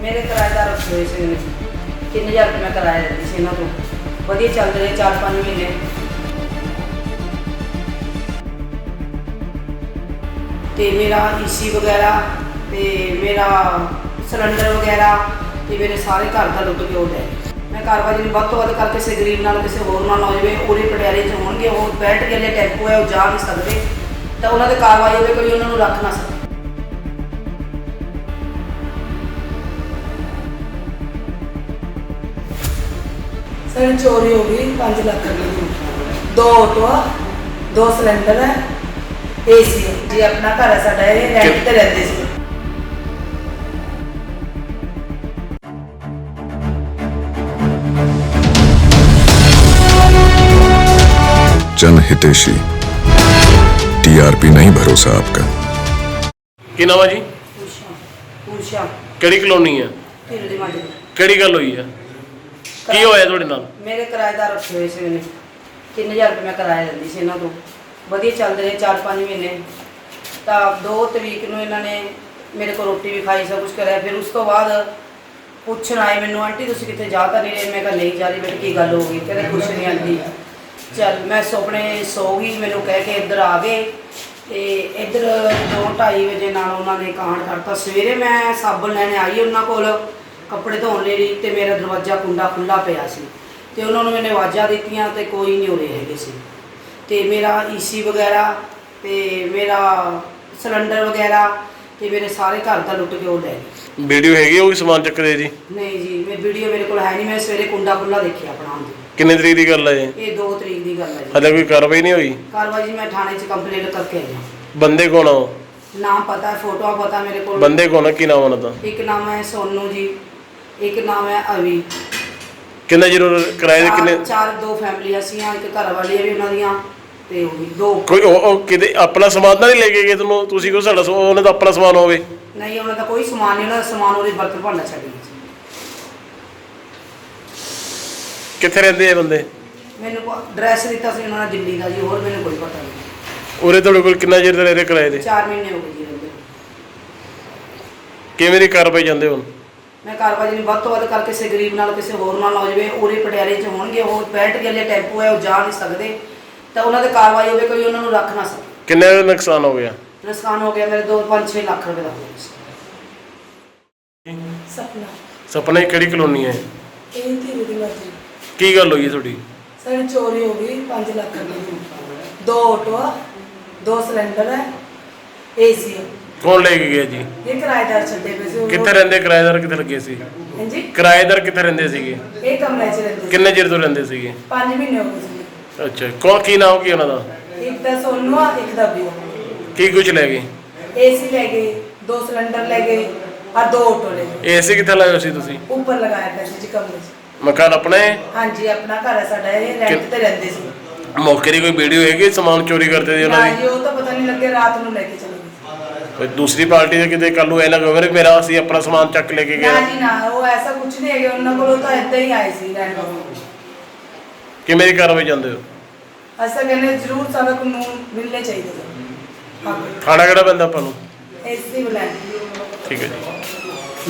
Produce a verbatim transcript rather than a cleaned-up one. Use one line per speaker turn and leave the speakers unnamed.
मेरे किराएदार रखे हुए से तीन हज़ार रुपये मैं किराया देती सी इन्हों को वधिया चल रहे चार पाँच महीने। तो मेरा ईसी वगैरह तो मेरा सिलेंडर वगैरह तो मेरे सारे घर का लुट के हो गए। मैं कारवाई में ਵੱਧ ਤੋਂ ਵੱਧ करके किसी गरीब नाल किसी होर नाल हो जाए पूरे पटियाले च होणगे वो बैठ के लिए टैंपो है वो जा नहीं सकते तो उन्होंने कार्रवाई होवे कोई उन्होंने रख ना सके। सर चोरी हो गई पाँच लाख रुपये दो ऑटो दो सिलेंडर है ए सी जी अपना घर है साडा रेंट ते रहंदे सी।
जन हितेशी टीआरपी नहीं भरोसा आपका।
की नाम है जी?
उषा उषा
ਕਿਹੜੀ ਕਲੋਨੀ ਹੈ?
ਢਿੱਲ ਦੀ ਮਾਜਰੀ।
ਕਿਹੜੀ ਗੱਲ ਹੋਈ ਹੈ? ਕੀ ਹੋਇਆ ਤੁਹਾਡੇ ਨਾਲ?
ਮੇਰੇ ਕਿਰਾਏਦਾਰ ਰੱਖੇ ਹੋਏ ਸੀ ਮੈਨੇ तीन हज़ार रुपये मैं किराया दिंदी सी इन्हों को वधिया चलते रहे चार पाँच महीने। तो दो तरीक ਨੂੰ ਇਹਨਾਂ ਨੇ ਮੇਰੇ को रोटी भी खाई सब कुछ कराया। फिर उस तो बाद ਪੁੱਛਣ ਆਏ ਮੈਨੂੰ ਆਂਟੀ ਤੁਸੀਂ ਕਿੱਥੇ ਜਾ ਤਾਂ ਨਹੀਂ ਰਹੇ। ਮੈਂ ਕਿਹਾ ਨਹੀਂ ਜਾ ਰਹੀ ਬੇਟੇ ਕੀ ਗੱਲ ਹੋ ਗਈ ਕਹਿੰਦੇ ਕੁਛ ਨਹੀਂ ਆਂਟੀ ਚੱਲ ਮੈਂ ਸੁਪਨੇ ਸੋ ਗਈ ਮੈਨੂੰ ਕਹਿ ਕੇ ਇੱਧਰ ਆ ਗਏ ਤੇ ਇੱਧਰ ਦੋ ਢਾਈ ਵਜੇ ਨਾਲ ਉਹਨਾਂ ਨੇ ਕਾਂਡ ਕਰਤਾ। ਸਵੇਰੇ ਮੈਂ ਸਾਬਣ ਲੈਣ ਆਈ ਉਹਨਾਂ ਕੋਲ ਕੱਪੜੇ ਧੋਣ ਲਈ ਤੇ ਮੇਰਾ ਦਰਵਾਜ਼ਾ ਕੁੰਡਾ ਖੁੱਲਾ ਪਿਆ ਸੀ ਤੇ ਉਹਨਾਂ ਨੂੰ ਮੈਨੇ ਆਵਾਜ਼ਾਂ ਦਿੱਤੀਆਂ ਤੇ ਕੋਈ ਨਹੀਂ ਉਰੇ ਹੈਗੇ ਸੀ ਤੇ ਮੇਰਾ ਈਸੀ ਵਗੈਰਾ ਤੇ ਮੇਰਾ ਸਿਲੰਡਰ ਵਗੈਰਾ ਤੇ ਮੇਰੇ ਸਾਰੇ ਘਰ ਦਾ ਲੁੱਟ ਕੇ ਉਹ ਲੈ ਗਏ।
ਵੀਡੀਓ ਹੈਗੀ ਉਹ ਸਮਾਨ ਚੱਕਦੇ ਜੀ?
ਨਹੀਂ ਜੀ ਮੈਂ ਵੀਡੀਓ ਮੇਰੇ ਕੋਲ ਹੈ ਨਹੀਂ। ਮੈਂ ਸਵੇਰੇ ਕੁੰਡਾ ਖੁੱਲਾ ਦੇਖਿਆ ਆਪਣਾ ਆਉਂਦੇ।
ਕਿੰਨੇ ਤਰੀਕ ਦੀ ਗੱਲ ਹੈ ਇਹ?
ਇਹ ਦੋ ਤਰੀਕ ਦੀ ਗੱਲ ਹੈ ਜੀ।
ਹਲੇ ਕੋਈ ਕਾਰਵਾਈ ਨਹੀਂ ਹੋਈ?
ਕਾਰਵਾਈ ਜੀ ਮੈਂ ਥਾਣੇ 'ਚ ਕੰਪਲੇਂਟ ਕਰਕੇ ਆਈ ਹਾਂ।
ਬੰਦੇ ਕੌਣ ਆ ਉਹ?
ਨਾਮ ਪਤਾ ਫੋਟੋਆਂ ਪਤਾ ਮੇਰੇ ਕੋਲ।
ਬੰਦੇ ਕੌਣ ਆ? ਕੀ ਨਾਮ ਉਹਨਾਂ ਦਾ?
ਇੱਕ ਨਾਮ ਹੈ ਸੋਨੂ ਜੀ ਇੱਕ ਨਾਮ ਹੈ ਅਵੀ।
ਕਿੰਨਾ ਜ਼ਰੂਰ ਕਿਰਾਏ ਦੇ ਕਿੰਨੇ?
ਚਾਰ ਦੋ ਫੈਮਲੀਆਂ ਸੀਆਂ ਇੱਕ ਘਰ ਵਾਲੀ ਵੀ ਉਹਨਾਂ ਦੀਆਂ ਤੇ ਉਹ ਵੀ ਦੋ।
ਕੋਈ ਉਹ ਉਹ ਕਿਤੇ ਆਪਣਾ ਸਮਾਨ ਤਾਂ ਨਹੀਂ ਲੈ ਕੇ ਗਏ ਤੁਹਾਨੂੰ? ਤੁਸੀਂ ਕੋ ਸਾਡਾ ਸਮਾਨ ਉਹਨਾਂ ਦਾ ਆਪਣਾ ਸਮਾਨ ਹੋਵੇ?
ਨਹੀਂ ਉਹਨਾਂ ਦਾ ਕੋਈ ਸਮਾਨ ਨਹੀਂ। ਉਹਨਾਂ ਦਾ ਸਮਾਨ ਉਹਦੇ ਬਰਤਨ ਭਾਂਡਾ ਛੱਡ ਗਏ।
ਕਿੱਥੇ ਰਹਿੰਦੇ ਇਹ ਬੰਦੇ?
ਮੈਨੂੰ ਐਡਰੈਸ ਦਿੱਤਾ ਸੀ ਉਹਨਾਂ ਨੇ ਦਿੱਲੀ ਦਾ ਜੀ। ਹੋਰ ਮੈਨੂੰ ਕੋਈ ਪਤਾ ਨਹੀਂ।
ਉਰੇ ਤੁਹਾਡੇ ਕੋਲ ਕਿੰਨਾ ਚਿਰ ਰਹਿ ਰਹੇ ਕਿਰਾਏ ਦੇ?
ਚਾਰ ਮਹੀਨੇ ਹੋ ਗਏ ਜੀ ਰਹਿੰਦੇ।
ਕਿਵੇਂ ਦੀ ਕਾਰਵਾਈ ਜਾਂਦੇ ਹੁਣ?
ਮੈਂ ਕਾਰਵਾਈ ਨੂੰ ਵੱਧ ਤੋਂ ਵੱਧ ਕਰਕੇ ਕਿਸੇ ਗਰੀਬ ਨਾਲ ਕਿਸੇ ਹੋਰ ਨਾਲ ਹੋ ਜਾਵੇ ਉਰੇ ਪਟਿਆਲੇ 'ਚ ਹੋਣਗੇ ਉਹ ਬੈਠ ਕੇ ਲਈ ਟੈਂਪੋ ਹੈ ਉਹ ਜਾ ਨਹੀਂ ਸਕਦੇ ਤਾਂ ਉਹਨਾਂ 'ਤੇ ਕਾਰਵਾਈ ਹੋਵੇ ਕੋਈ ਉਹਨਾਂ ਨੂੰ ਰੱਖ ਨਾ ਸਕੇ।
ਕਿੰਨੇ ਦਾ ਨੁਕਸਾਨ ਹੋ ਗਿਆ?
ਨੁਕਸਾਨ ਹੋ ਗਿਆ ਮੇਰੇ ਦੋ ਪੰਜ ਛੇ ਲੱਖ ਰੁਪਏ ਦਾ ਹੋ ਗਿਆ। ਸਪਨਾ
ਸਪਨਾ ਕਿਹੜੀ ਕਲੋਨੀ ਹੈ?
ਇਹ ਧੀਰੇ ਦੀ ਮਰਜ਼ੀ।
ਕੀ ਗੱਲ ਹੋਈ ਹੈ ਤੁਹਾਡੀ?
ਸਰ ਚੋਰੀ ਹੋ ਗਈ पाँच लाख रुपये दो ऑटो दो सिलेंडर है ए सी।
ਕੌਣ ਲੈ ਕੇ ਗਿਆ ਜੀ?
ये किराएदार छड्डे पे सी।
ਕਿੱਥੇ ਰਹਿੰਦੇ ਕਿਰਾਏਦਾਰ? ਕਿੱਥੇ ਲੱਗੇ ਸੀ
हां जी
ਕਿਰਾਏਦਾਰ? ਕਿੱਥੇ ਰਹਿੰਦੇ ਸੀਗੇ?
ਇਹ ਕਮਰੇ 'ਚ ਰਹਿੰਦੇ ਸੀ।
ਕਿੰਨੇ ਚਿਰ ਤੋਂ ਰਹਿੰਦੇ ਸੀਗੇ?
ਪੰਜ ਮਹੀਨੇ ਹੋ ਗਏ ਸੀ।
ਅੱਛਾ ਕੌਣ ਕੀ ਨਾਮ ਕੀ ਉਹਨਾਂ ਦਾ?
ਇੱਕ ਦਾ ਸੋਨੂ ਆ ਇੱਕ ਦਾ ਵੀ।
ਕੀ ਕੁਝ ਲੈ ਗਏ?
ए सी ले गए दो सिलेंडर ले गए और दो ऑटो ले गए।
ਏਸੀ ਕਿੱਥੇ ਲਾਇਆ ਸੀ ਤੁਸੀਂ?
ऊपर लगाया पैसे जी कमरे 'ਚ।
ਮਕਾਨ ਆਪਣੇ?
हाँ जी अपना घर है साडा ये रेंट ते रहंदे सी।
ਮੌਕੇ ਦੀ ਕੋਈ ਵੀਡੀਓ ਹੈਗੀ ਸਮਾਨ ਚੋਰੀ ਕਰਦੇ ਦੀ ਉਹਨਾਂ
ना
ਦੀ?
जी वो तो पता नहीं लगे रात ਨੂੰ ਲੈ ਕੇ ਚਲੇ ਗਏ।
ਕੋਈ ਦੂਸਰੀ ਪਾਰਟੀ ਦੇ ਕਿਤੇ ਕੱਲ ਨੂੰ ਇਹ ਨਾ ਕਹੇ ਮੇਰਾ ਅਸੀਂ ਆਪਣਾ ਸਮਾਨ ਚੱਕ ਲੈ ਕੇ
ਨਾ
ਗਿਆ।
ਜੀ ਨਾ ਉਹ ਐਸਾ ਕੁਝ ਨਹੀਂ ਹੈਗਾ ਉਹਨਾਂ ਕੋਲ। ਉਹ ਤਾਂ ਇਦਾਂ ਹੀ ਆਏ ਸੀ ਰਹਿਣ ਵਾਸਤੇ।
ਕਿਵੇਂ ਦੀ ਕਾਰਵਾਈ ਜਾਂਦੇ ਹੋ?
ਅਸਾਂ ਕਹਿੰਦੇ ਜ਼ਰੂਰ ਸਾਡਾ ਕਾਨੂੰਨ ਮਿਲਣੇ ਚਾਹੀਦੇ ਸਨ।
ਖਾਣਾ ਕਿਹੜਾ ਪੈਂਦਾ ਆਪਾਂ ਨੂੰ?
ਐਸੀ ਬੁਲਾਏ।
ਠੀਕ ਹੈ ਜੀ।